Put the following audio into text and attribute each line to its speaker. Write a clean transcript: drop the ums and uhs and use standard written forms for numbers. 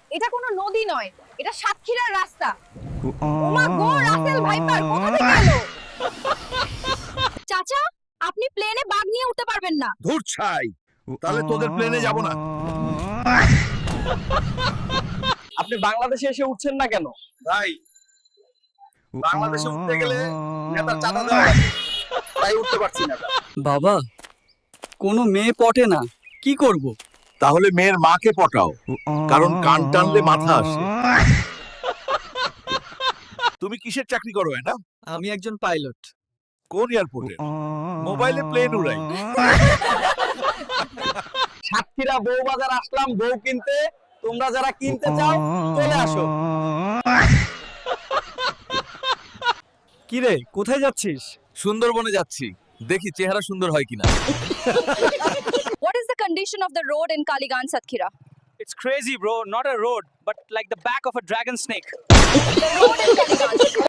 Speaker 1: এটা কোনো নদী নয়, এটা সাতক্ষীরার রাস্তা। ওমা গো, রাসেল ভাইপার কোথা থেকে এলো? চাচা, আপনি প্লেনে বাঘ নিয়ে উঠতে পারবেন না।
Speaker 2: ধুর ছাই, তাহলে তোদের প্লেনে যাব না।
Speaker 3: আপনি বাংলাদেশে এসে উঠছেন না কেন?
Speaker 2: ভাই, বাংলাদেশে উঠতে গেলে নেতার চাঁদা দেওয়া লাগে, তাই উঠতে পারছি না।
Speaker 3: বাবা, কোনো মেয়ে পটে না, কি করব?
Speaker 2: তাহলে মেয়ের মাকে পটাও, কারণ কান টানলে মাথা আসে। তুমি কিসের চাকরি করো এটা?
Speaker 3: আমি একজন পাইলট।
Speaker 2: কোন এয়ারপোর্টে? মোবাইলে প্লেন উড়াই।
Speaker 3: সাতক্ষীরা বউ বাজার আসলাম বউ কিনতে, তোমরা যারা কিনতে চাও চলে আসো। কি রে, কোথায় যাচ্ছিস?
Speaker 2: সুন্দরবনে যাচ্ছি, দেখি চেহারা সুন্দর হয় কিনা।
Speaker 1: What is the condition of the road in Kaligan Satkhira?
Speaker 4: It's crazy, bro. Not a road, but like the back of a dragon snake.
Speaker 1: The road in Kaligan.